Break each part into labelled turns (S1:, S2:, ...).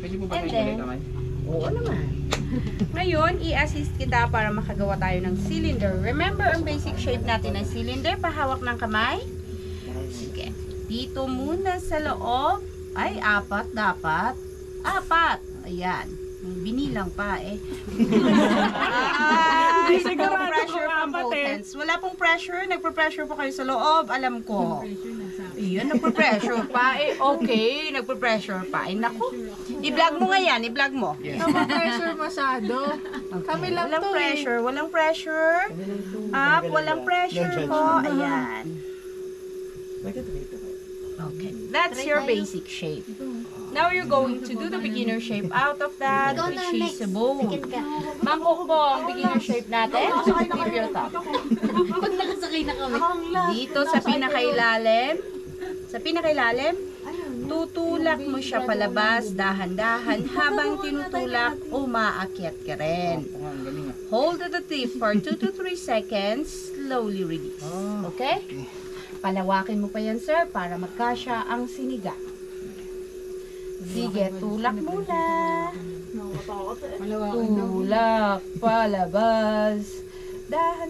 S1: Pwede po ba
S2: And
S1: kayo
S2: then,
S1: ulit kamay?
S3: Oo naman.
S2: ngayon, i-assist kita para makagawa tayo ng cylinder. Remember ang basic shape natin ng cylinder? Pahawak ng kamay. Sige. Dito muna sa loob. Ay, 4 dapat. 4. Ayan. May binilang pa eh. Ay,
S4: Sigurado
S2: pressure
S4: kung
S2: from
S4: 4
S2: both
S4: eh.
S2: ends. Wala pong pressure. Nagpe-pressure po kayo sa loob. Alam ko. Iyan, nagpe-pressure pa eh. Okay, nagpe-pressure pa. Ay, naku. I-vlog mo nga yan. I-vlog mo.
S4: Pressure masyado. Kami lang
S2: Walang
S4: to
S2: pressure. Walang pressure. Up. Walang pressure po. Ayan. Okay. That's your basic shape. Now you're going to do the beginner shape out of that, which is a bow. Mangkok po ang beginner shape natin. Tip your top.
S5: Pag nakasakay na kami.
S2: Dito sa pinakailalim. Sa pinakailalim, tutulak mo siya palabas, dahan-dahan. Habang tinutulak, umaakyat ka rin.
S1: Ang galing ah.
S2: Hold at the tip for 2 to 3 seconds. Slowly release. Okay? Palawakin mo pa yan, sir, para magkasya ang siniga. Sige, tulak muna. Tulak, palabas. Dahan.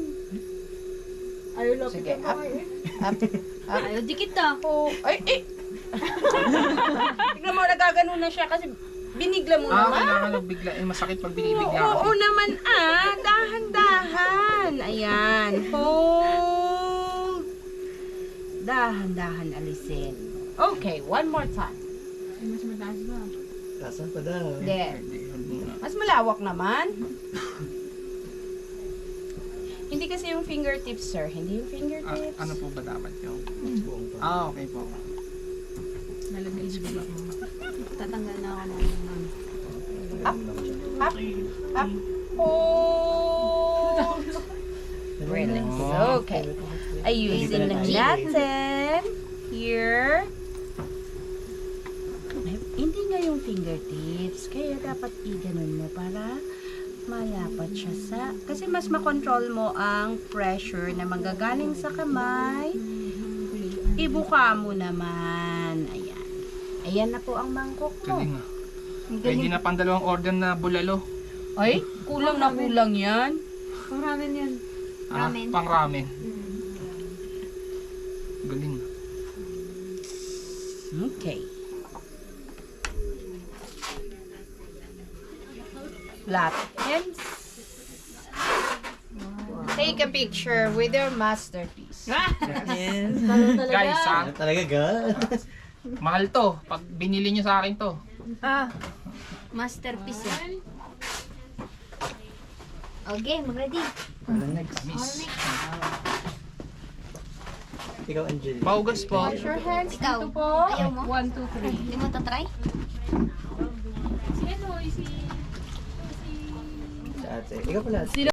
S2: Sige, up. Up. Up.
S5: Ayaw, dikit ah.
S2: Oh, ay, eh. Tignan mo, nagagano na siya kasi binigla mo naman.
S1: Kailangan bigla. Masakit pag binibigla ka.
S2: Oo naman dahan-dahan. Ayan, hold. Dahan-dahan alisin. Okay, one more time.
S3: Kasan pa daw.
S2: There. Mas malawak naman. Hindi kasi yung fingertips, sir. Hindi yung fingertips.
S1: Ano po ba dapat yung? Okay po.
S5: Tatanggal na ako ng
S2: Up. Up. Hold. Relax. Okay. Ayusin lang natin. Here. Hindi nga yung fingertips. Kaya dapat i-ganon mo para mayapat siya sa... Kasi mas makontrol mo ang pressure na manggagaling sa kamay. Ibuka mo naman. Ayan. Ayan na po ang mangkok mo.
S1: Galing ah. Hindi na pang dalawang order na bulalo.
S2: Ay, kulang na kulang yan.
S5: Pang ramen yan. Ramen.
S1: Pang ramen. Galing.
S2: Okay. Flat ends. Take a picture with your masterpiece.
S3: Yes.
S1: Guys ah,
S3: Talaga ga?
S1: mahal to. Pag binili nyo sa akin to.
S5: Masterpiece yan. Okay, mag-ready.
S1: Miss.
S3: Ikaw, Angel.
S1: Paugas po.
S2: Wash your hands
S5: Ikaw.
S2: dito po.
S5: Ayaw mo?
S2: 1, 2, 3.
S5: Hindi mo tatry?
S3: Sa ate. Ikaw pala.